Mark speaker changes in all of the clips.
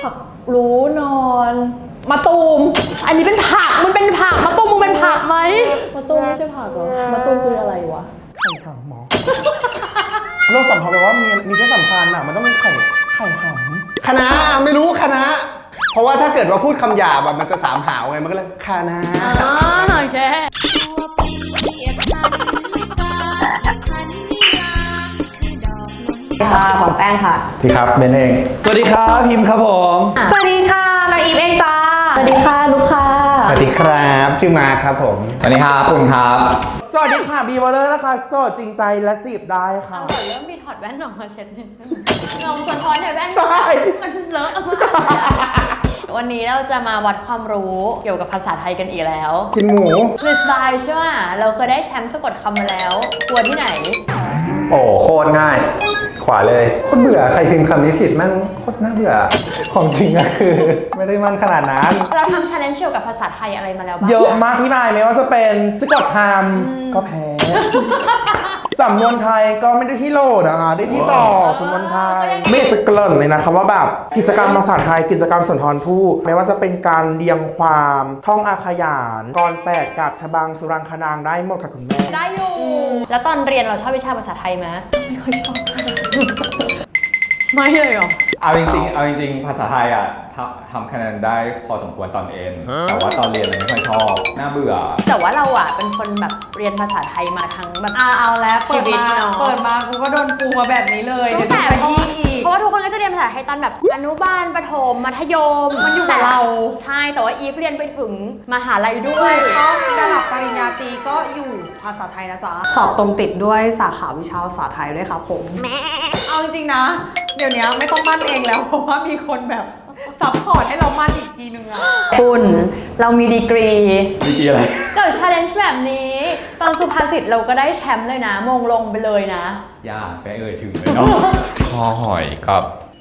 Speaker 1: ผักรู้นอนมะตูมอันนี้เป็นผักมันเป็นผักมะตูมมึงเป็นผักไหมมะตูมไม่ใช่ผักหรอมะตูมคืออะไรวะ
Speaker 2: ไข่หำหมอโรคสัมพันธ์แปลว่ามีเพศสัมพันธ์อ่ะมันต้องเป็นไข่หำคณะไม่รู้คณะเพราะว่าถ้าเกิดว่าพูดคำหยาบแบบมันจะสามหาวไงมันก็เลยคณะ
Speaker 1: โอเค
Speaker 3: ค่ะของแป้งค่ะ
Speaker 2: พี่ครับเบนเอง
Speaker 4: สวัสดีครับพิมพ์ครับผม
Speaker 3: สวัสดีค่ะน้องอีฟเองจ้า
Speaker 1: สวัสดีค่ะลูกค้า
Speaker 2: สวัสดีครับชื่อมาครับผม
Speaker 4: สวัสดีครับปุ่นครับ
Speaker 2: สวัสดีค่ะบีวอลเลอร์นะคะโสดจริงใจและจีบได้ค่ะ
Speaker 1: ก่อนเริ่มมีถอดแว่นออกมาเช็ดหนึ่งลองสะท้อนในแว่นมันเลอะวันนี้เราจะมาวัดความรู้เกี่ยวกับภาษาไทยกันอีกแล้ว
Speaker 2: กินหมู
Speaker 1: ฟรีสไตล์ใช่ไหมเราเคยได้แชมป์สะกดคำมาแล้วกลัวที่ไหน
Speaker 4: โอ้โคตรง่ายขวาเลย
Speaker 2: โคตรเบื่อใครพิมพ์คำนี้ผิดแม่งโคตรน่าเบื่อของจริงก็คือไม่ได้มันขนาดนั้น
Speaker 1: เราทำ challenge เกี่ยวกับภาษาไทยอะไรมาแล้วบ้าง
Speaker 2: เยอะมากพี่นายไม่ว่าจะเป็นสะกดคำก็แพ้สำนวนไทยก็ไม่ได้ที่โหลนะคะได้ที่2สำนวนไทยไม่จะเกริ่นเลยนะคะว่าแบบกิจกรรมภาษาไทยกิจกรรมสุนทรภู่ไม่ว่าจะเป็นการเรียงความท่องอาขยานกรแปดกาบฉบังสุรังคนางได้หมดค่ะคุณแม่
Speaker 1: ได้อยู่แล้วตอนเรียนเราชอบวิชาภาษาไทยไหมไม่ค่อยชอบไม่เลยหรอ
Speaker 4: เอาจริงภาษาไทยอ่ะทำคะแนนได้พอสมควรตอนเอ็นแต่ว่าตอนเรียนไม่ค่อยชอบน่าเบื่อ
Speaker 1: แต่ว่าเราอ่ะเป็นคนแบบเรียนภาษาไทยมาทั้งแบบ
Speaker 3: เอาแล้วเปิดมากูก็โดนปูมาแบบนี้เลย
Speaker 1: ตั้งแต่เพราะว่าทุกคนก็จะเรียนภาษาไทยตอนแบบอนุบาลประถมมัธยม
Speaker 3: มันอยู่กับเรา
Speaker 1: ใช่แต่ว่าอีฟเรียนไปถึงมหาลัยด้วย
Speaker 3: ก็ระดับปริญญาตรีก็อยู่ภาษาไทยนะจ๊ะสอบตรงติดด้วยสาขาวิชาภาษาไทยด้วยครับผมเอาจริงๆนะเดี๋ยวนี้ไม่ต้องมั่นเองแล้วเพราะว่ามีคนแบบซัพพอร์ตให้เรามั่นอีกทีนึงอะ
Speaker 1: คุณเรามีดีกรี
Speaker 4: อะไร
Speaker 1: เกิด challenge แบบนี้ตอนสุภาษิตเราก็ได้แชมป์เลยนะมงลงไปเลยนะ
Speaker 4: ย่าแฟถึงเลยเนาะคอหอยกับ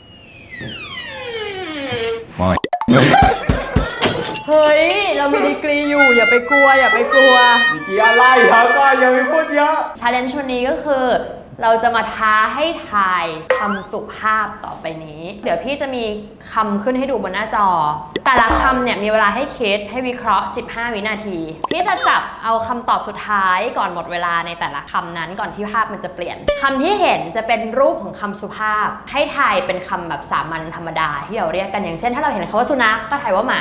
Speaker 4: มอย
Speaker 1: เฮ้ยเรามีดีกรีอยู่อย่าไปกลัวดีก
Speaker 4: รีอะไรครับก็อย่าไปพูดเยอะ
Speaker 1: challenge วันนี้ก็คือเราจะมาท้าให้ทายคำสุภาพต่อไปนี้เดี๋ยวพี่จะมีคำขึ้นให้ดูบนหน้าจอแต่ละคำเนี่ยมีเวลาให้คิดให้วิเคราะห์15วินาทีพี่จะจับเอาคำตอบสุดท้ายก่อนหมดเวลาในแต่ละคำนั้นก่อนที่ภาพมันจะเปลี่ยนคำที่เห็นจะเป็นรูปของคำสุภาพให้ทายเป็นคำแบบสามัญธรรมดาที่เราเรียกกันอย่างเช่นถ้าเราเห็นคำว่าสุนัขก็ทายว่าหมา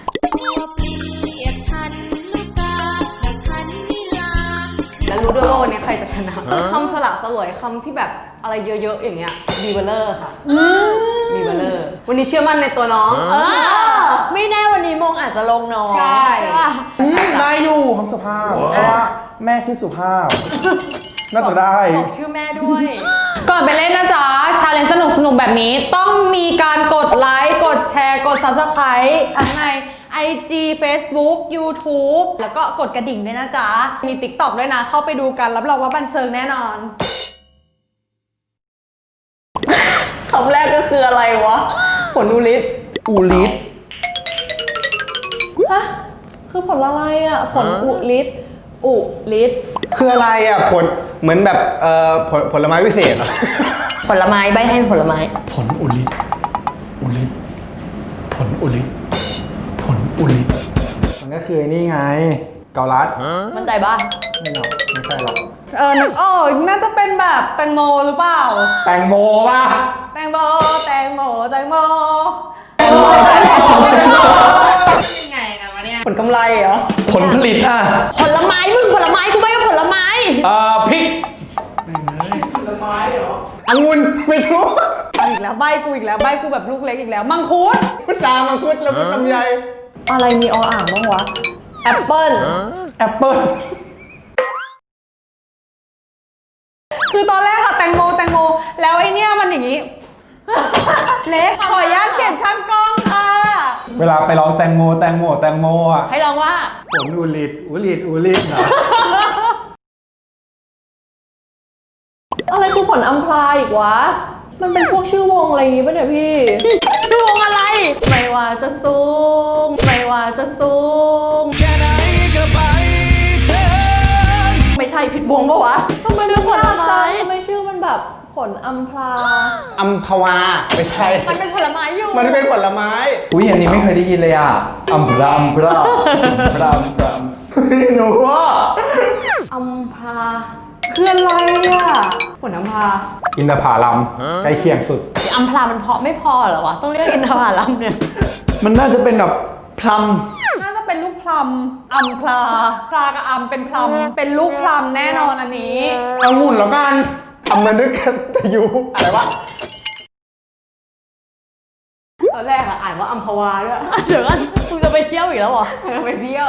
Speaker 3: แล้วรู้ด้วยว่าวันนี้ใครจะชนะคำสละสลวยคำที่แบบอะไรเยอะๆอย่างเงี้ยบีเบลเลอร์ค่ะบีเบลเลอร์วันนี้เชื่อมั่นในตัวน้อง
Speaker 1: ไม่แน่วันนี้มงอาจจะลงน้อง
Speaker 3: ใช่
Speaker 1: ป่ะ
Speaker 2: ได้อยู่คำสุภาพเพราะว่าแม่ชื่อสุภาพน่าจะได้
Speaker 1: บอกชื่อแม่ด้วย
Speaker 3: ก่อนไปเล่นนะจ๊ะชาเลนจ์สนุกแบบนี้ต้องมีการกดไลค์กดแชร์กด Subscribe ทั้งในIG Facebook YouTube แล้วก็กดกระดิ่งด้วยนะจ๊ะมี TikTok ด้วยนะเข้าไปดูกันรับรองว่าบันเทิงแน่นอนคำแรกก็คืออะไรวะผลอุลิต
Speaker 1: ฮะคือผลอะไรอ่ะผลอุลิต
Speaker 2: คืออะไรอ่ะผลเหมือนแบบผลไม้วิเศษ
Speaker 1: ผลไม้ใบให้ผลไม้
Speaker 4: ผลอุลิตผลอุลิต
Speaker 2: มันก็คือนี่ไงเกาลัด
Speaker 1: มั่นใจป่ะ
Speaker 2: ไม่หรอกไม่ใช่หรอก
Speaker 3: นึกน่าจะเป็นแบบแตงโมหรือเปล่า
Speaker 2: แตงโมป่ะ
Speaker 3: แตงโมยังไงกันวะเนี่ยผลกำไรเหรอ
Speaker 4: ผลผลิต
Speaker 1: ผลไม้ผลไม้กูไม่ก็ผลไม้
Speaker 4: พริก
Speaker 3: ผลไม้เหรอ
Speaker 2: องุ่นไม่รู้
Speaker 3: อีกแล้วใบกูแบบลูกเล็กอีกแล้วมังคุด
Speaker 2: พุทรามังคุดแล้วพุทลำไย
Speaker 1: อะไรมีออ่างบ้างวะแอปเปิ้ล
Speaker 3: คือตอนแรกอะแตงโมแล้วไอเนี้ยมันอย่างงี้เล็กขออนุญาตเปลี่ยนช่างกล้องค่ะ
Speaker 2: เวลาไปร้องแตงโมอ่ะ
Speaker 1: ให้ร้องว่า
Speaker 2: ผลอุลิตเหรอ
Speaker 1: อะไรคือผลอัมพลายอีกวะมันเป็นพวกชื่อวงอะไรอย่างงี้ป่ะเนี่ยพี่ชื่อวงอะไรไม่ว่าจะสูงแค่ไหนก็ไปเธอไม่ใช่ผิดวงปะวะทำไมเป็นผลไม้ทำไมชื่อมันแบบผ
Speaker 3: ลอัมพรา
Speaker 5: อัมพวาไม่ใช่
Speaker 1: มันเป็นผลไม้อยู่
Speaker 5: มันเป็นผลไม้
Speaker 4: อุ้ยอันนี้ไม่เคยได้ยินเลยอ่ะอัมพราอัมพราอัมพราอัมพรา
Speaker 5: หนูว่า
Speaker 3: อัมพราคืออะไรอ่ะผลอัมพรา
Speaker 5: อินทผลัมใกล้เคียงสุด
Speaker 1: อัมพรามันเพาะไม่พอเหรอวะ ต้องเรียกอินทผลัมเนี่ย
Speaker 5: มันน่าจะเป็นแบบพลัม
Speaker 3: น่าจะเป็นลูกพลัมอัมพราพรากับอัมเป็นพลัมเป็นลูกพลัมแน่นอนอันนี้
Speaker 2: องุ่นแล้วกัน
Speaker 5: อัมมานึกกันแต่ยูอะไรวะ
Speaker 3: ตอนแรกอะอ่านว่าอัมพวาด้วย
Speaker 1: เดี๋ยวก่อนคุณจะไปเที่ยวอีกแล้วเหรอ
Speaker 3: ไปเที่ยว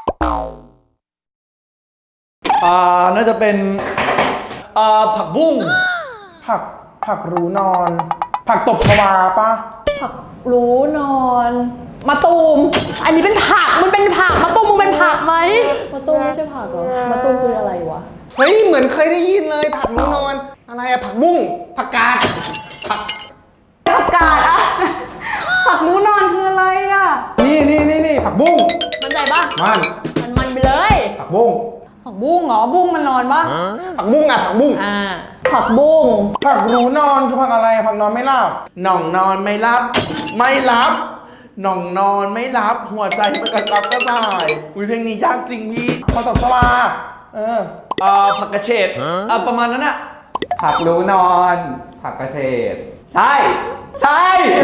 Speaker 5: น่าจะเป็นผักบุ้ง
Speaker 2: ผักรู้นอน ผักตบชวาปะ
Speaker 3: ผักรู้นอนมะตูม
Speaker 1: อันนี้เป็นผัก มันเป็นผักมะตุ้มมึงเป็นผักไหม
Speaker 3: มะตูมไม่ใช่ผักหรอมะตูมคืออะไรวะ
Speaker 5: เฮ้ยเหมือนเคยได้ยินเลยผักรู้นอนอะไรอะผักบุ้งผักกาดผัก
Speaker 3: ผักกาดอะผักรู้นอนคืออะไรอะ
Speaker 5: นี่ผักบุ้ง
Speaker 1: มันใจปะ
Speaker 5: มัน
Speaker 1: ไปเลย
Speaker 5: ผักบุ้ง
Speaker 3: ผักบุ้งเหรอบุ้งมันนอนปะ
Speaker 5: ผักบุ้งอะผักบุ้ง
Speaker 1: อ่า
Speaker 3: ผักบุ้ง
Speaker 2: ผักรู้นอนคือผักอะไรผักนอนไม่หลับหน่องนอนไม่รับ ไม่รับหน่องนอนไม่รับ หัวใจมันกระซับกระส่ายอุ้ยเพลงนี้ยากจริงพี่พอตบชวา
Speaker 5: ผักกระเฉดประมาณนั้นอะ
Speaker 4: ผักรู้นอนผักเกษตร
Speaker 5: ใช่ใช่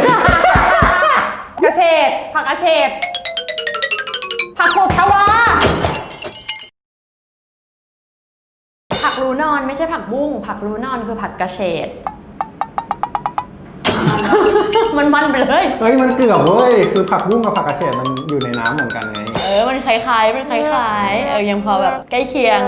Speaker 3: กระเฉดผักกระเฉดผักโขกชวา
Speaker 1: ผักรู้นอนไม่ใช่ผักบุ้ง ผักรู้นอนคือผักกระเฉด มันไปเลย
Speaker 5: เฮ้ยมันเกือบเว้ยคือผักบุ้งกับผักกระเฉดมันอยู่ในน้ำเหมือนกันไง
Speaker 1: มันคล้ายๆ มันคล้ายๆ ยังพอแบบใกล้เคียง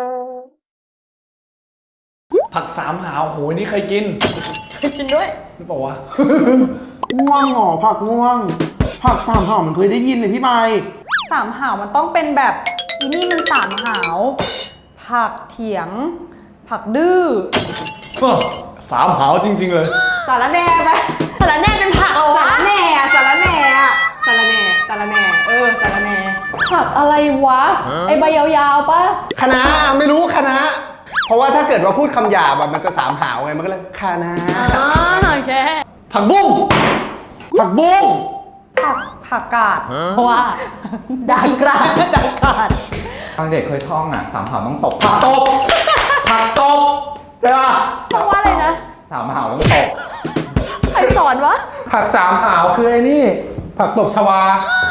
Speaker 5: ผักสามหาวโหนี่เคยกิน
Speaker 1: กินด้วย
Speaker 5: หรือเปล่าวะ
Speaker 2: ง่วงหรอผักง่วง ผักสามห่อมันเคยได้ยินเลยพี่ใบ
Speaker 3: สามหาวมันต้องเป็นแบบอีนี่มันสามหาวผักเถียง ผักดื้อ
Speaker 5: สามหาวจริงๆเลย
Speaker 3: สารแหน่ไป
Speaker 1: สารแหน่เป็นผักเหรอ
Speaker 3: สาว
Speaker 1: ะ
Speaker 3: รแหน่อะสารแหน่อะสารแหน่สารแหน่สารแหน่ผักอะไรวะไอใบยาวๆปะ
Speaker 5: คณะไม่รู้คณะ เพราะว่าถ้าเกิดว่าพูดคำหยาบอะมันจะสามหาวไงมันก็เลยคณะ
Speaker 1: อ๋อโอเค
Speaker 5: ผักบุ้ง
Speaker 2: ผักบุ้ง
Speaker 3: ผักกาด
Speaker 1: เพราะว่าดังกราด
Speaker 3: ดักกาด
Speaker 4: ตอนเด็กเคยท่องอ่ะสามหาวต้องตกผักตก
Speaker 5: ผักตบใช่ป่ะ
Speaker 1: เพราะว่าอะไรนะ
Speaker 4: สามหาวต้องตก
Speaker 1: ใครสอนวะ
Speaker 5: ผักสามหาวคือไอ้นี่ ผักตบชวา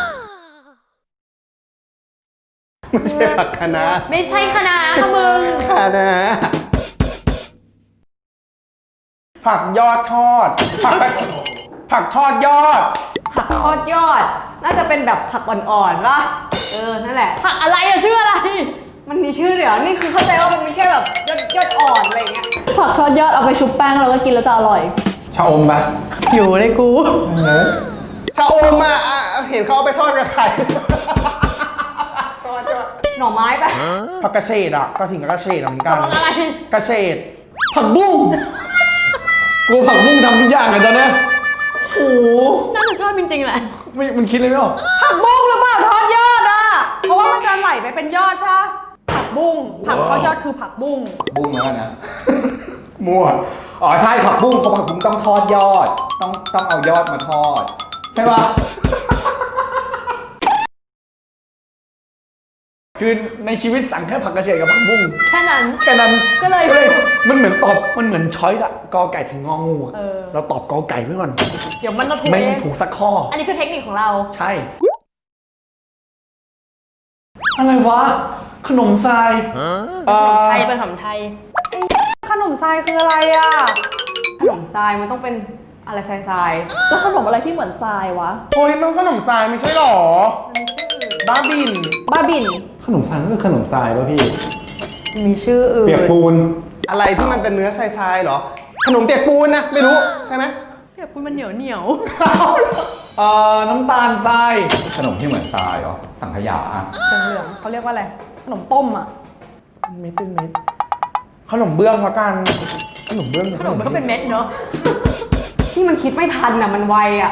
Speaker 5: ไม่ใช่ผักคณะ
Speaker 1: ไม่ใช่คณะค่ะมึง
Speaker 5: คณะ
Speaker 2: ผักยอดทอด ผักทอดยอด
Speaker 3: ผักทอดยอด น่าจะเป็นแบบผักอ่อนๆป่ะนั่นแหละ
Speaker 1: ผักอะไรอะชื่ออะไร
Speaker 3: มันมีชื่อเดี๋ยวนี่คือเข้าใจว่ามันมีแค่แบบยอดอ่อนอะไรอย่างเงี้ย
Speaker 6: ผักทอดยอดเอาไปชุบแป้งแล้วก็กินแล้วจะอร่อย
Speaker 5: ชะอมปะ
Speaker 1: อยู่ในกู
Speaker 5: ชะอมอะเห็นเขาเอาไปทอดกับไข่ทอด
Speaker 3: หน่อไม้ปะ
Speaker 2: ผักกระเฉดอ่ะก็ถึงกับกระเฉดเหมือนกัน
Speaker 1: ผักอะไร
Speaker 2: กระเฉด
Speaker 5: ผักบุ้งกูผักบุ้งทำทุกอย่างเลยตอนเนี้ยโอ้โห
Speaker 1: น่าจะชอบจริงๆแหละ
Speaker 5: มันคิดเลยไม่ออก
Speaker 3: ผักบุ้งหรือเปล่าทอดยอดอ่ะ เพราะว่ามันจะไหลไปเป็นยอดใช่ปะผักบุ้งผักทอดยอดคือผักบุ้ง
Speaker 4: บุ้งแล้วกันนะ
Speaker 5: มั่ว
Speaker 4: อ๋อใช่ผักบุ้งเพราะผักบุ้งต้องทอดยอด ต้องเอายอดมาทอด
Speaker 5: ใช่ป่ะ คือในชีวิตสั่งแค่ผักกระเฉดกับผักบุ้ง
Speaker 1: แค่นั้น
Speaker 5: แค่นั้น
Speaker 1: ก็เลย
Speaker 5: มันเหมือนช้อยส์อะกอไก่ถึงงองูอะเราตอบกอไก่ไว้ก่อน
Speaker 1: เดี๋ยวมันมาถูก
Speaker 5: ไม่
Speaker 1: เอง
Speaker 5: ถูกสักข้อ
Speaker 1: อันนี้คือเทคนิคของเรา
Speaker 5: ใช่ อะไรวะ ขนมทราย
Speaker 1: ไทยเป็นขนมไทย
Speaker 3: ขนมทรายคืออะไรอ่ะ ขนมทรายมันต้องเป็นอะไรทราย
Speaker 6: แล้วขนมอะไรที่เหมือนทรายวะ
Speaker 2: โอ้ยมันขนมทรายไม่ใช่หรอ บ้าบิน
Speaker 6: บ้าบิน
Speaker 5: ขนมทรายก็คือขนมทรายป่ะพี่
Speaker 1: มีชื่ออื่น
Speaker 5: เปียกปูน อะไรที่มันเป็นเนื้อทรายๆเหรอ ขนมเปียกปูนนะ ไม่รู้ ใช่ไหม
Speaker 1: เปียกปูนมันเหนียว
Speaker 5: น้ำตาลทราย
Speaker 4: ขนมที่เหมือนทรายเหรอสังขยาอะ
Speaker 3: ๆเหลืองๆเขาเรียกว่าอะไร ขนมต้มอ่ะ
Speaker 2: เม็ดเป็นเม็ด ขนมเบื้องละกัน ขนมเบื้อง
Speaker 1: ขนมมันก็เป็นเม็ดเนาะ
Speaker 3: ที่มันคิดไม่ทันอ่ะมันไวอ่ะ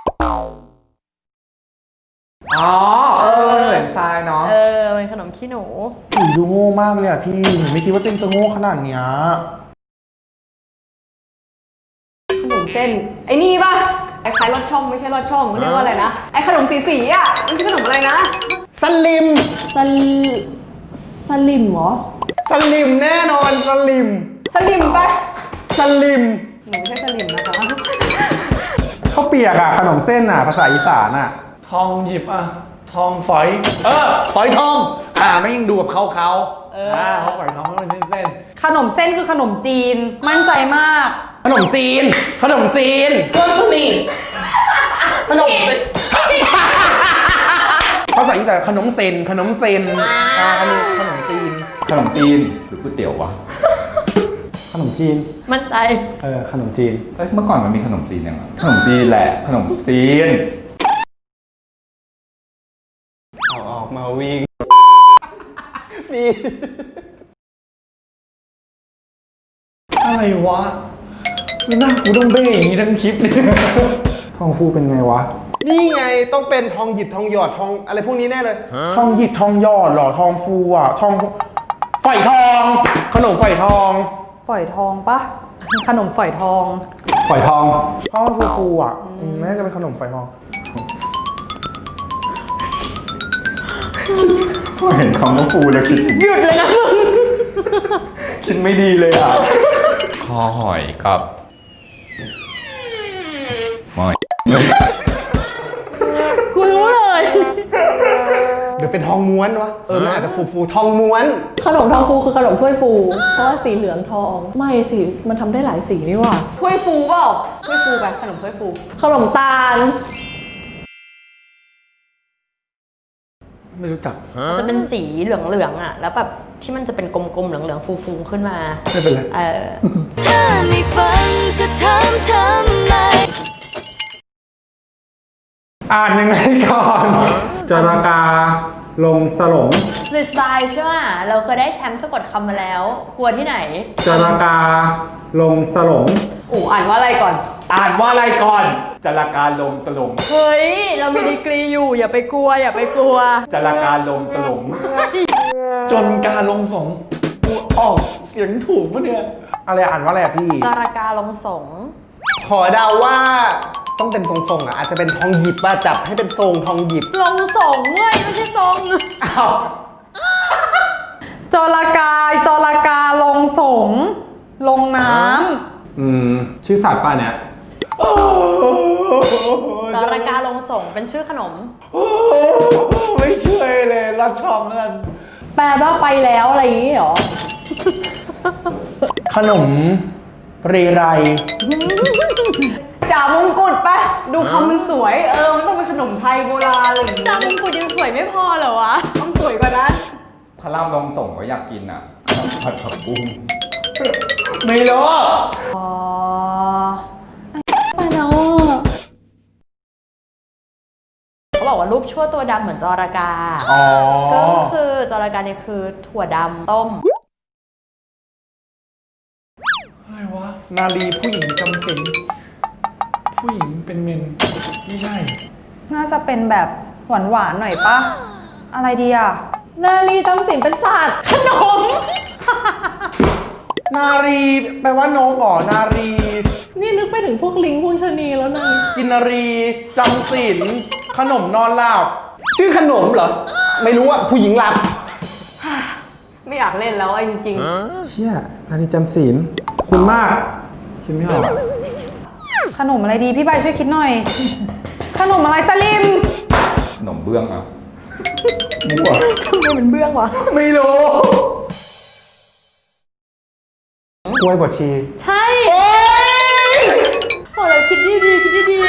Speaker 4: อ๋อเหมือนทรายเนาะ
Speaker 1: เป็นขนมขี้หนู
Speaker 2: ดูโง่มากเลยอ่ะพี่หนูไม่คิดว่าตัวเองจะโง่ขนาดเนี้ย
Speaker 3: เส้นไอ้นี่ป่ะไอ้คล้ายลอดช่องไม่ใช่ลอดช่องมันเรียกว่าอะไรนะไอ้ขนมสีอ่ะมันชื่อขนมอะไรนะ
Speaker 5: สลิม
Speaker 6: สลิมเหรอ
Speaker 5: สลิมแน่นอนสลิม
Speaker 3: สลิมป่ะ
Speaker 5: สลิม
Speaker 3: หนูไม่ใช่สลิมนะคะ
Speaker 2: ข้าวเปียกอ่ะขนมเส้นอ่ะภาษาอีสานอ่ะ
Speaker 7: ทองหยิบอ่ะ ทองฝอย ฝอยทอง ไม่ยังดูแบบเขาเขาฝอยทองมันเส้น
Speaker 3: ขนมเส้นคือขนมจีนมั่นใจมาก
Speaker 2: ขนมจีนขนมจีนเพื่อนสนิทขนมจีนภาษาอีสานขนมเซนขนมเซนอันนี้ขนมจีน
Speaker 4: ขนมจีนหรือก๋วยเตี๋ยววะ
Speaker 2: ขนมจีน
Speaker 1: มั่นใจ
Speaker 2: ขนมจีน
Speaker 4: เอ้ยเมื่อก่อนมันมีขนมจีนยังไงขนมจีนแหละขนมจีน
Speaker 5: เอาออกมาวิ่ง มี
Speaker 7: อะไรวะไม่น่ากูต้องเบ้อย่างนี้ทั้งคลิปเนี่ย
Speaker 2: ทองฟูเป็นไงวะ
Speaker 5: นี่ไงต้องเป็นทองหยิบทองหยอดทองอะไรพวกนี้แน่เลย
Speaker 2: ทองหยิบทองหยอดเหรอทองฟูอ่ะทองฝอยทอง ขนมฝอยทอง
Speaker 3: ฝอยทองปะขนมฝอยทอง
Speaker 2: ฝอยทองทองฟูๆอ่ะน่าจะเป็นขนมฝอยทอง
Speaker 4: เห็นคำว่าฟูแล้วคิดหยุดเลยนะคิดไม่ดีเลยอ่ะคอหอยกับหอย
Speaker 1: กูรู้เลย
Speaker 5: เดี๋ยวเป็นทองม้วนวะมันอาจจะฟูทองม้วน
Speaker 6: ขนมทองฟูคือขนมถ้วยฟู เพราะว่าสีเหลืองทอง ไม่สิมันทำได้หลายสีนี่หว่า
Speaker 3: ถ้วยฟูเปล่าถ้วยฟูไปขนมถ้วยฟู
Speaker 6: ขนมตาล
Speaker 7: ไม่รู้จัก
Speaker 1: จะเป็นสีเหลืองๆอ่ะ แล้วแบบที่มันจะเป็นกลมๆเหลืองๆฟูๆขึ้นมา
Speaker 7: ไม่เป็นไร
Speaker 8: ถ้าไม่ฟังจะถามทำไม
Speaker 2: อ่านยังไงก่อนจรากาลงสลง
Speaker 1: สไตล์ใช่ไหมเราเคยได้แชมป์สะกดคำมาแล้ว กลัวที่ไหน
Speaker 2: จรากาลงสลง
Speaker 3: อ่านว่าอะไรก่อน
Speaker 4: อ่านว่าอะไรก่อนจราการลงสลง
Speaker 1: เฮ้ย เรามีดีกรีอยู่ อย่าไปกลัว อย่าไปกลัว
Speaker 4: จราการลงสลง
Speaker 7: จนการลงสงกูออกเสียงถูกปะเนี่ย
Speaker 2: อะไรอ่านว่าอะไรอ่ะพี่
Speaker 1: จารากาลงสง
Speaker 5: ขอเดาว่าต้องเป็นทรงๆอ่ะอาจจะเป็นทองหยิบป่ะจับให้เป็นทรงทองหยิบ
Speaker 1: ลงสงเว้ยไม่ใช่ทรง
Speaker 5: อ้าว
Speaker 3: จรากาลงสงลงน้
Speaker 2: ชื่อสัตว์ป่ะเนี่ย
Speaker 1: จารากาลงสงเป็นชื่อขนม
Speaker 7: ไม่ช่วยเลยรัดช่องแล้วกัน
Speaker 6: แปลว่าไปแล้วอะไรอย่างนี้เหรอ
Speaker 2: ขนมเรไร
Speaker 3: ำจ่ามงกุฎปะดูคำมันสวยมันต้องเป็นขนมไทยโบราณอะไรอย่างงี้
Speaker 1: จามงกุฎยังสวยไม่พอเหรอวะ
Speaker 3: ต้องสวยกว่านั้น
Speaker 4: พระรามลงส่งก็อยากกินอ่ะผัดผักบุ้ง
Speaker 2: ไม่รู้
Speaker 3: อ๋อ
Speaker 6: ไปแล้วอะ
Speaker 1: เขาบอกว่ารูปชั่วตัวดำเหมือนจรากา
Speaker 2: อ๋อ
Speaker 1: ก็คือจรากาเนี่ยคือถั่วดำต้ม
Speaker 7: อะไรวะ นาลีผู้หญิงจำศีลผู้หญิงเป็นเมน ไม่ใช่
Speaker 3: น่าจะเป็นแบบหวานๆหน่อยปะอะไรดีอ่ะ
Speaker 6: นาลีจำศีลเป็นสัตว์ ขนม
Speaker 2: นารีแปลว่านกอ๋อนารี
Speaker 6: นี่นึกไปถึงพวกลิงพวกชะนีแล้วนะ
Speaker 2: กินนารีจำศีลขนมนอนหลับ
Speaker 5: ชื่อขนมเหรอ ไม่รู้อ่ะผู้หญิงหลับ
Speaker 3: ไม่อยากเล่นแล้วอ่ะจริง
Speaker 2: เชี่ยนารีจำศีลคุณมากคิดไม่ออก
Speaker 3: ๆ ขนมอะไรดีพี่ใบช่วยคิดหน่อย ขนมอะไรสลิม
Speaker 4: ขนมเบื้องอ่ะ
Speaker 2: มั่ว
Speaker 6: ทำไมเป็นเบื้องวะ
Speaker 2: ไม่รู้กล้วยบดชี
Speaker 1: ใช่โอ้เราคิดดีๆคิดดีๆคิด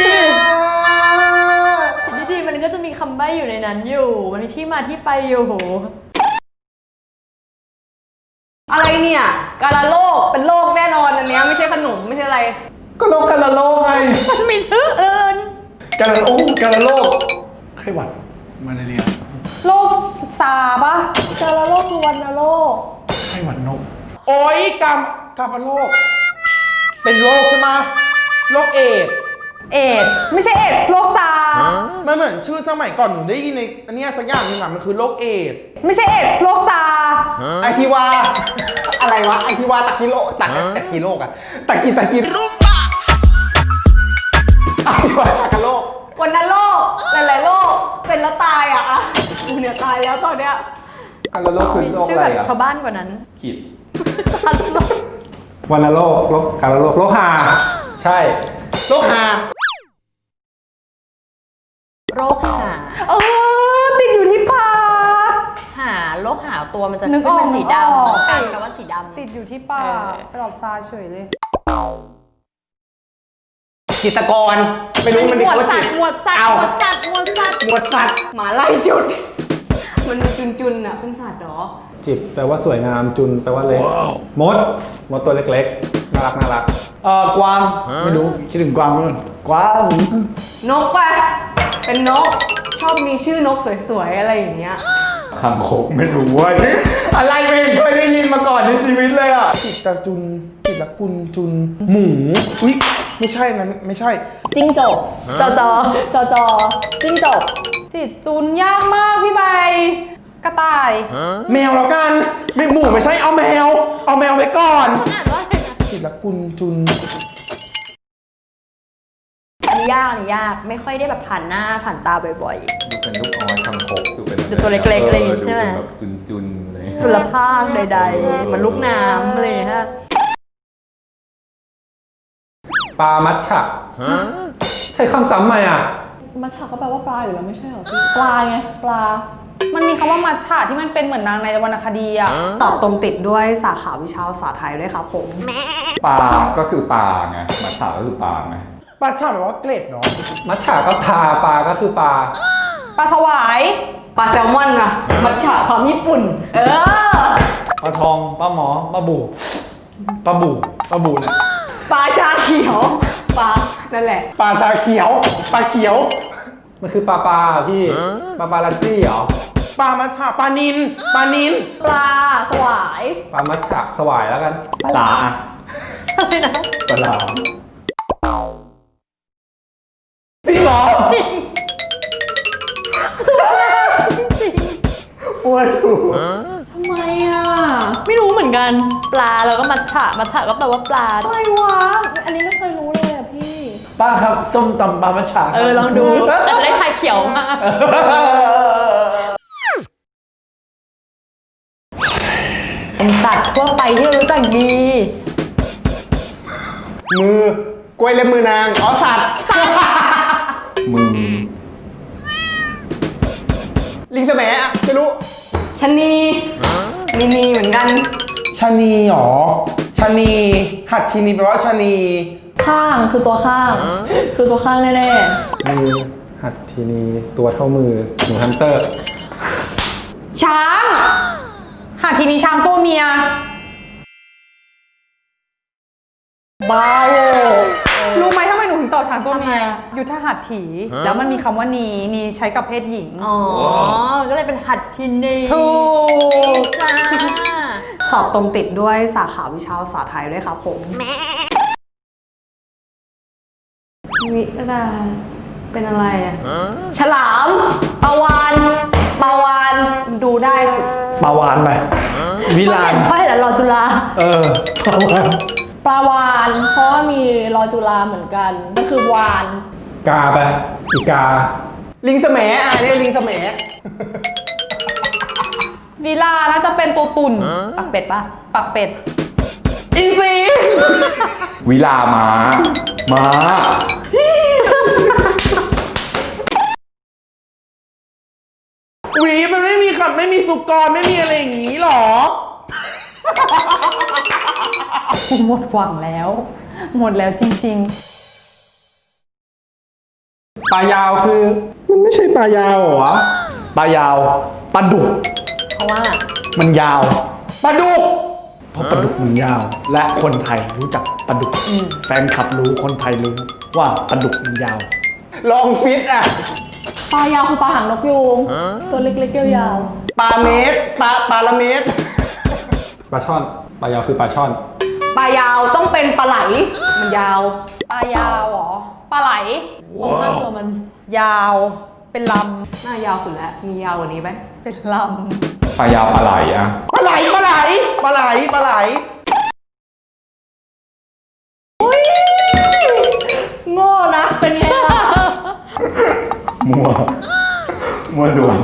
Speaker 1: ดีๆมันก็จะมีคำใบ้อยู่ในนั้นอยู่ มันมีที่มาที่ไปอยู่
Speaker 3: อะไรเนี่ยกาลาโลกเป็นโลกแน่นอนอันเนี้ยไม่ใช่ขนมไม่ใช่อะไร
Speaker 2: ก็โลกกันละโลกไง
Speaker 1: มันมีชื่ออื่น
Speaker 7: การละโลกไข้หวัดมาเลเรีย
Speaker 3: โลกซาปะ
Speaker 6: กาลาโลกคือวันโลก
Speaker 7: ไข้หวัดนก
Speaker 2: โอ๊ยกำโลก เป็นโรคใช่ไหมโรคเอดส์
Speaker 3: เอดส์ไม่ใช่เอดส์โลกซา
Speaker 2: มันเหมือนชื่อสมัยก่อนหนูได้ยินในอันเนี้ยสักอย่างหนึงอะมันคือโรคเอดส์
Speaker 3: ไม่ใช่เอดส์โลกซา
Speaker 5: ไอทิวา อะไรวะไอทิวาตะกิโลตักกิโลกอะตะกิกันโลก
Speaker 3: วันนั้นโลกหลายๆโลกเป็นแล้วตายอ่ะกูเนี่ยตายแล้วตอนเนี้ย
Speaker 2: อันละโลกคือโลก
Speaker 1: ชื่อ
Speaker 2: อะไร
Speaker 1: แบบ
Speaker 2: อ่ะ
Speaker 1: ชาวบ้านกว่านั้น
Speaker 4: ขีด
Speaker 5: วันละโลกการละโลกโลกหาใช่โลกหา
Speaker 1: โรคหา
Speaker 3: ติดอยู่ที่ปาก
Speaker 1: หาโรคหาตัวมันจะ
Speaker 3: นึ
Speaker 1: ขึ้
Speaker 3: ก
Speaker 1: น
Speaker 3: ออก
Speaker 1: เป็นสี
Speaker 3: นึกออก
Speaker 1: ดำกันแปลว่าสีดำ
Speaker 3: ติดอยู่ที่ปาก
Speaker 1: เออ
Speaker 3: ตอบซาเฉยเลย
Speaker 5: จิตรกรไม่รู้มัน
Speaker 1: หมวด
Speaker 5: ว่า
Speaker 1: สั
Speaker 5: จิ
Speaker 1: ต
Speaker 5: ต
Speaker 1: ว์หมวดสัตว์
Speaker 5: เอา
Speaker 1: หมวดสัตว์หมวดสัตว์
Speaker 5: หมวดสัตว์
Speaker 3: หมาไล่จุด มันมีจุนๆอ่ะเป็นสัตว์เหรอ
Speaker 5: จิตแปลว่าสวยงามจุนแปลว่าเล็กมดตัวเล็กๆน่ารัก
Speaker 7: กวางไม่รู้คิดถึงกวางมั้ยกวาง
Speaker 3: นกปะเป็นนก ชอบมีชื่อนกสวยๆอะไรอย่างเงี้ย
Speaker 4: คางคกไม่รู้ว่า อะไรไม่เคยได้ยินมาก่อนในชีวิตเลยอ่ะ
Speaker 2: จิตรจุนจิตรกุลจุน หมูอุ๊ยไม่ใช่งั้นไม่ใช่
Speaker 6: จิ้งจก
Speaker 1: จอจอ
Speaker 6: จอจอจิ้งจก
Speaker 3: จิตจุนยากมากพี่ใบ กระต่าย
Speaker 2: แมวแล้วกันไม่หมูไม่ใช่เอาแมวไว้ก่อน
Speaker 1: อ่านว่าอะไรนะ
Speaker 2: จิตรกุลจุน
Speaker 1: อันนี้ยากอันนี้ยากไม่ค่อยได้แบบผ่านหน้าผ่านตาบ่อย
Speaker 4: ดูเป็นลูกอ้อยคางคกดูเป็น
Speaker 1: ดูตัวเล็กๆอะไรอย่างงี้ใช่ไหม
Speaker 4: ดูเป็นแบบจุนๆเลย
Speaker 1: ๆจุลภาคใดๆเหมือนลูกน้ำอะไรอย่างเลยฮะ
Speaker 5: ปลามัชฉะใช้คำซ้ำไหมอ่ะ
Speaker 6: มัชฉะก็แปลว่าปลาอยู่แล้วไม่ใช่เหรอพี่ปลาไงปลา
Speaker 3: มันมีคำว่ามัชฉะที่มันเป็นเหมือนนางในวรรณคดีอะตอบตรงติดด้วยสาขาวิชาภาษาไทยด้วยครับผม
Speaker 4: ปลาก็คือปลาไงมัทฉะก็คือปลาไง
Speaker 2: ปลาฉ่ำแปลว่าเกล็ดเนาะ
Speaker 5: มัชฉะก็ปลาก็คือปลา
Speaker 3: ปลาสวาย ปลาแซลมอนอะมัชฉะความญี่ปุ่น
Speaker 7: ปลาทองปลาหมอปลาบูเนี่ย
Speaker 3: ปลาชาเขียว ปลา นั่นแหละ
Speaker 5: ปลาชาเขียวปลาเขียว มันคือปลาพี่ปลาลัสซี่เหรอ
Speaker 2: ปลามัชฉะปลานิน
Speaker 6: ปลาสวาย
Speaker 5: ปลามัชฉะสวายแล้วกัน
Speaker 4: ปลาอะ
Speaker 1: อะไรนะ
Speaker 4: ปลา
Speaker 2: จริงเหรออ้วนถูก
Speaker 6: ทำไมอ่ะ
Speaker 1: ไม่รู้เหมือนกันปลาแล้วก็มัทฉะก็แปลว่าปลา
Speaker 6: อะไรวะ อันนี้ไม่เคยรู้เลยอ่ะพี่
Speaker 7: ป้าครับส้มตำปลามัชฉะครับ
Speaker 1: ลองดูแต่จะได้ชาเขียวมาเป็นสัตว์ทั่วไปที่เรารู้จักดี
Speaker 5: มือกล้วยเล็บมือนางอ๋อสัตว์
Speaker 4: มือ
Speaker 5: ลิงแสมอะไม่รู้
Speaker 3: ชะนีมีเหมือนกัน
Speaker 2: ชะนีหรอชะนีหัดทีนีแปลว่าชะนี
Speaker 6: ข้างคือตัวข้าง คือตัวข้างแน่
Speaker 5: มือหัดทีนี้ตัวเท่ามือหนูฮันเตอร์
Speaker 3: ช้าง หาทีนี้ช้างตัวเมีย บ้าโวรู้ไหมทำไมหนูถึงตอบช้างตัวเมีย ยุทธหัตถี แล้วมันมีคำว่านีใช้กับเพศหญิง
Speaker 1: อ๋อ ก็เลยเป็นหัดทินนี
Speaker 3: ถูก
Speaker 1: จ้า
Speaker 3: สอบตรงติดด้วยสาขาวิชาภาษาไทยด้วยครับผม วิราเป็นอะไรอ่ะ ฉลาม ปลาวานดูได้
Speaker 7: ปลาวานไปวิลาน
Speaker 1: เพราะเห็นแล้วรอจุฬา
Speaker 7: ปลาวาน
Speaker 6: ๆ ปลาวานเพราะว่ามีรอจุฬาเหมือนกันก็คือวาน
Speaker 5: กาไปอีกา ลิงแสมอะเนี่ยลิงแสม
Speaker 3: วิลาน่าจะเป็นตัวตุ่น
Speaker 1: ปักเป็ดปะ
Speaker 3: ปักเป็ด
Speaker 2: อินทรี
Speaker 4: วิลาม้า
Speaker 2: หวีมันไม่มีคำไม่มีสุกรไม่มีอะไรอย่างนี้หรอ
Speaker 3: หมดหวังแล้ว หมดแล้วจริง
Speaker 5: ปลายาวคือ มันไม่ใช่ปลายาวเหรอ
Speaker 7: ปลายาวปลาดุก
Speaker 1: เพราะว่า
Speaker 7: มันยาว
Speaker 2: ปลาดุก
Speaker 7: เพราะปลาดุกมันยาว และคนไทยรู้จักปลาดุกแฟนคลับรู้คนไทยรู้ว่าปลาดุกมันยาว
Speaker 5: ลองฟิตอะ
Speaker 6: ปลายาวคือปลาหางนกยูงตัวเล็กๆยาว
Speaker 5: ปลาเมตรปลาละเมตร ปลาช่อน ปลายาวคือปลาช่อน
Speaker 3: ๆ ปลายาวต้องเป็นปลาไหล มันยาว
Speaker 1: ปลายาวเหรอ
Speaker 3: ปลาไหล
Speaker 1: โอ้ข้างตัวมัน
Speaker 3: ยาว เป็นลำน่ายาวสุดแล้ว มียาวกว่านี้ไหม เป็นล
Speaker 4: ปลายาวปลาไหลอะ
Speaker 2: ปลาไหล
Speaker 6: ๆ โง่นะ เป็นไงล่ะ
Speaker 4: มั่วดวง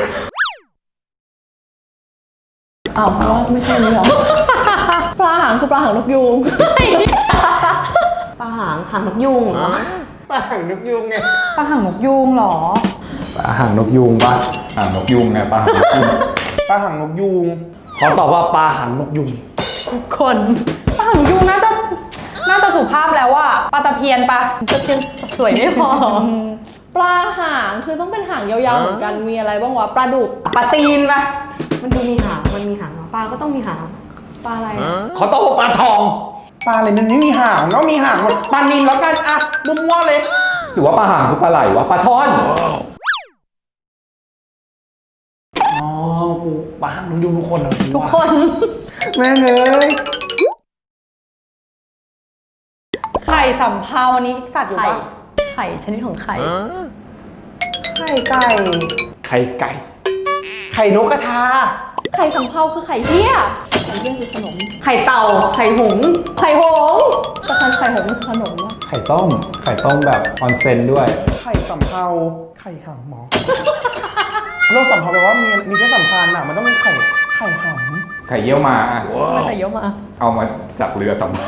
Speaker 6: อ้าวว่าไม่ใช่นี่หรอ ปลาหางคือปลาหางนกยูง
Speaker 3: ปลาหางนกยูงเหรอ
Speaker 5: ปลาหางนกยุงไง
Speaker 3: ปลาหางนกยูงเหรอ
Speaker 5: ปลาหางนกยุงปะ
Speaker 4: นกยุงไงปลาหางนกยุง
Speaker 2: ปลาหางนกยูง
Speaker 7: ขอตอบว่าปลาหางนกยุง
Speaker 1: คน
Speaker 3: ปลาหางนกยูงน่าจะสุภาพแล้วว่าปลาตะเพียนปะ
Speaker 1: จะยังสวยไม่พอ
Speaker 6: ปลาหางคือต้องเป็นหางยาวๆเหมือนกัน มีอะไรบ้างวะ ปลาดุก
Speaker 3: ปลาตีนปะมันดูมีหางมันมีหางปลาก็ต้องมีหางปลาอะไรอะ
Speaker 7: ขอตอบว่าปลาทอง
Speaker 2: ปลาอะไรมันไม่มีหางเนาะมีหางหมดปลานิลแล้วกันอะมั่วๆเลย
Speaker 4: หรือว่าปลาหางคือปลาไหลวะปลาช่อน
Speaker 7: อ๋อกูปลาหางนกยุงทุกคนเหรอ
Speaker 1: ทุกคน
Speaker 2: แม่งเอ้ย
Speaker 3: ไข่สำเภาอันนี้สัตว์อยู่
Speaker 1: ไข่
Speaker 3: ปะ
Speaker 1: ไข่ชนิดของไข่
Speaker 3: ไข่ไก่
Speaker 7: ไข่ไก่
Speaker 5: ไข่นกกระทา
Speaker 6: ไข่สำเภาคือไข่เหี้ย ไข่เหี้ยคือขนม
Speaker 3: ไข่เต่าไข่หงส์
Speaker 6: ไข่หงส์แต่ไข่หงส์คือขนมวะ
Speaker 4: ไข่ต้มแบบออนเซนด้วย
Speaker 2: ไข่สำเภาไข่หางหมอ โรคสำเภาแปลว่ามีเพศสัมพันธ์อะมันต้องเป็นไข่หาง
Speaker 4: ไข่เยี่ยวมาอ่ะ
Speaker 1: ไม่ไข่เยอะมา
Speaker 4: เอามาจากเรือสำเภา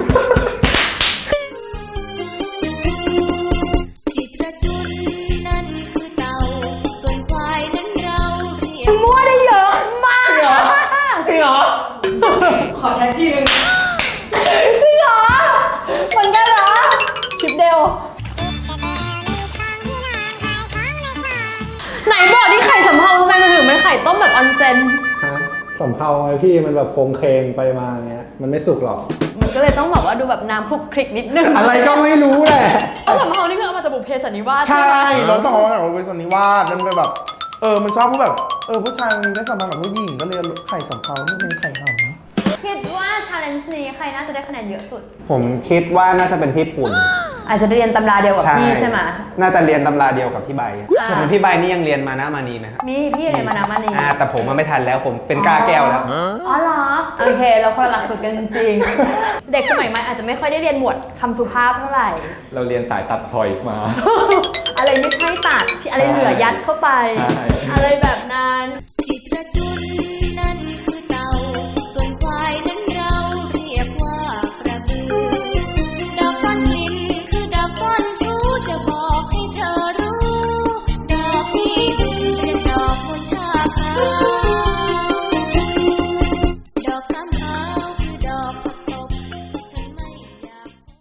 Speaker 8: ที่กระจุนนั่นคือเต่า ส่วนควายนั้นเราเรียก
Speaker 1: มั่วได้เยอะมาก
Speaker 2: จริงเหรอ
Speaker 3: ขอแท็กที่นึง
Speaker 6: จริงเหรอเหมือนกันเหรอ ชิปเดล
Speaker 1: ไหนบอกที่ไข่สำเภาทำไมมันถึงเป็นไข่ต้มแบบออนเซน
Speaker 5: สำเภาไงพี่มันแบบโครงเคงไปมาเงี้ย มันไม่สุกหรอก
Speaker 1: มันก็เลยต้องแบบว่าดูแบบน้ำคลุกคลิกนิดนึง
Speaker 5: อะไรก็ไม่รู้แหละ
Speaker 1: เออสำเภานี่คือเอามาจากบุพเพสันนิวาส
Speaker 2: ใช่
Speaker 1: ไหม
Speaker 2: เราต้องเอาแบบเป็นสันนิวาสมันเป็นแบบ มันชอบพูดแบบ ผู้ชายมีเพศสัมพันธ์กับผู้หญิงก็เลยไข่สำเภาที่เป็นไข่หาง
Speaker 1: คิดว่าชาเลนจ์นี้ใครน่าจะได้คะแนนเยอะสุด
Speaker 5: ผมคิดว่าน่าจะเป็นพี่ปุ่น
Speaker 1: อาจจะเรียนตำราเดียวกับพี่ใช่ไหม
Speaker 5: น่าจะเรียนตำราเดียวกับพี่ใบ
Speaker 1: อ่า
Speaker 5: แต่พี่ใบนี่ยังเรียนมานะมานีไหมครับ
Speaker 1: มีพี่เรียนมานามานี
Speaker 5: แต่ผมมันไม่ทันแล้วผมเป็นก้าแก้วแล้ว
Speaker 1: อ๋อเหรอ โอเค เราคนละหลักสูตรกันจริงๆ เด็กสมัยใหม่อาจจะไม่ค่อยได้เรียนหมวดคำสุภาพเท่าไหร่
Speaker 4: เราเรียนสายตัดชอยส์มา
Speaker 1: อะไรไม่ใช่ตัดที่อะไรเหลือยัดเข้าไป
Speaker 4: ใช่
Speaker 1: อะไรแบบนั้น
Speaker 8: ที่กระจุน